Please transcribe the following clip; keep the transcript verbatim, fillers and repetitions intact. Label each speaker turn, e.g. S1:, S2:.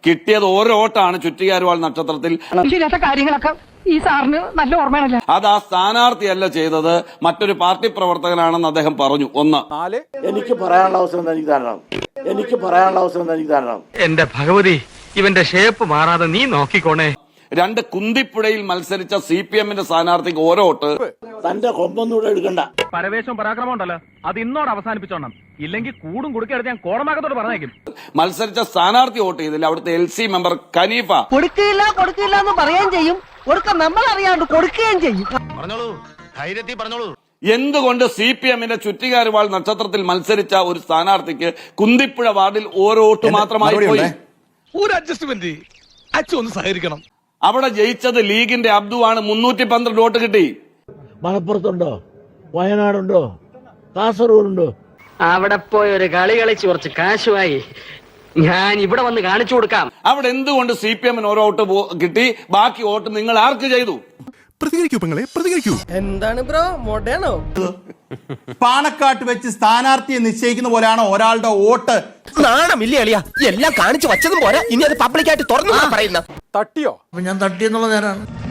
S1: കിട്ടിയത് ഓരോ വോട്ടാണ് ചുറ്റിയാരുവാൾ നക്ഷത്രത്തിൽ.
S2: കാര്യങ്ങളൊക്കെ ഈ സാറിന് നല്ല ഓർമ്മയാണല്ലോ.
S1: അത് ആ സ്ഥാനാർത്ഥിയല്ല ചെയ്തത്, മറ്റൊരു പാർട്ടി പ്രവർത്തകനാണെന്ന് അദ്ദേഹം പറഞ്ഞു. ഒന്ന്,
S3: എനിക്ക് പറയാനുള്ള അവസരം എനിക്ക് തരണം, എനിക്ക് പറയാനുള്ള അവസരം എനിക്ക് തരണം.
S4: എന്റെ ഭഗവതി, ഇവന്റെ ഷേപ്പ് മാറാതെ നീ നോക്കിക്കോണേ.
S1: രണ്ട്, കുന്തിപ്പുഴയിൽ മത്സരിച്ച സി പി എമ്മിന്റെ സ്ഥാനാർത്ഥിക്ക് ഓരോ വോട്ട്.
S3: തന്റെ കൊമ്പൊന്നുകൂടെ എടുക്കണ്ട.
S4: പരവേശം പരാക്രമം ഉണ്ടല്ലോ, അത് ഇന്നോട് അവസാനിപ്പിച്ചോണം, ഇല്ലെങ്കിൽ കൂടും കുടുക്കെടുത്ത് ഞാൻ കോടമാകത്തോട് പറഞ്ഞേക്കും.
S1: മത്സരിച്ച സ്ഥാനാർത്ഥി വോട്ട് ചെയ്തില്ല. അവിടുത്തെ എൽ സി മെമ്പർ ഖനീഫ
S2: കൊടുക്കില്ല കൊടുക്കില്ല എന്ന് പറയുകയും ചെയ്യും, കൊടുക്ക നമ്മൾ അറിയാണ്ട് കൊടുക്കുകയും ചെയ്യും.
S5: പറഞ്ഞോളൂ, ധൈര്യത്തിൽ പറഞ്ഞോളൂ.
S1: എന്തുകൊണ്ട് സി പി എമ്മിന്റെ ചുറ്റികാരുവാൾ നക്ഷത്രത്തിൽ മത്സരിച്ച ഒരു സ്ഥാനാർത്ഥിക്ക് കുന്തിപ്പുഴ വാർഡിൽ ഓരോ വോട്ട് മാത്രമായി പോയി?
S6: ഒരു അഡ്ജസ്റ്റ്മെന്റ് അച്ഛൻ ഒന്ന് സഹകരിക്കണം.
S1: അവിടെ ജയിച്ചത് ലീഗിന്റെ അബ്ദു ആണ്. മുന്നൂറ്റി പന്ത്രണ്ട് വോട്ട് കിട്ടി.
S3: മലപ്പുറത്തുണ്ടോ, വയനാടുണ്ടോ, കാസർഗോഡുണ്ടോ?
S2: അവിടെ പോയി ഒരു കളി കളിച്ച് കുറച്ച് കാശുമായി ഞാൻ ഇവിടെ വന്ന് കാണിച്ചു കൊടുക്കാം.
S1: അവിടെ എന്തുകൊണ്ട് സി പി എമ്മിന് ഓരോ വോട്ട് കിട്ടി, ബാക്കി വോട്ട് നിങ്ങൾ ആർക്ക് ചെയ്തു?
S6: പ്രതികരിക്കൂ പെങ്ങളെ, പ്രതികരിക്കൂ.
S2: എന്താണ് ബ്രോ മോഡേണോ?
S7: പാണക്കാട്ട് വെച്ച് സ്ഥാനാർത്ഥിയെ നിശ്ചയിക്കുന്ന പോലെയാണോ ഒരാളുടെ വോട്ട്?
S8: നാണമില്ലേ അളിയാ, എല്ലാം കാണിച്ചു വച്ചതും പോരാ, ഇനി അത് പബ്ലിക്കായിട്ട് തുറന്നു പറയുന്ന
S3: തട്ടിയോ? ഞാൻ തട്ടിയെന്നുള്ള നേരാണ്.